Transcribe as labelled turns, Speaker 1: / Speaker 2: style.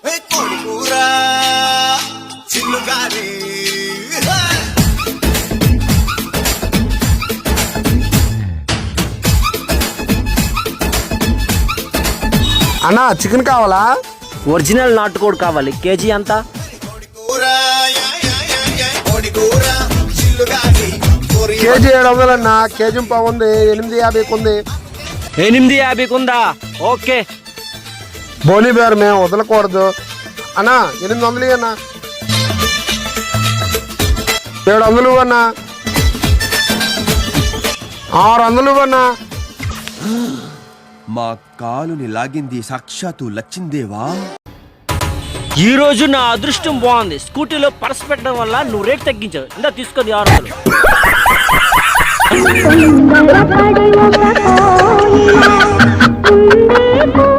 Speaker 1: అన్నా చికెన్ కావాలా?
Speaker 2: ఒరిజినల్ నాటుకోడి కావాలి. కేజీ ఎంత?
Speaker 1: కేజీ 700 అన్నా. కేజీ పావు ఉంది, 850 ఉంది.
Speaker 2: 850 ఉందా? ఓకే.
Speaker 1: బోని బేర్ మేము వదలకూడదు అన్నా. 800 అన్నా. 700 అన్నా. 600 అన్నా.
Speaker 3: మా కాలుని లాగింది సాక్షాత్తు లచ్చిందేవా.
Speaker 2: ఈ రోజు నా అదృష్టం బాగుంది. స్కూటీలో పర్స్ పెట్టడం వల్ల నువ్వు రేట్ తగ్గించావు. ఇందా తీసుకో 600.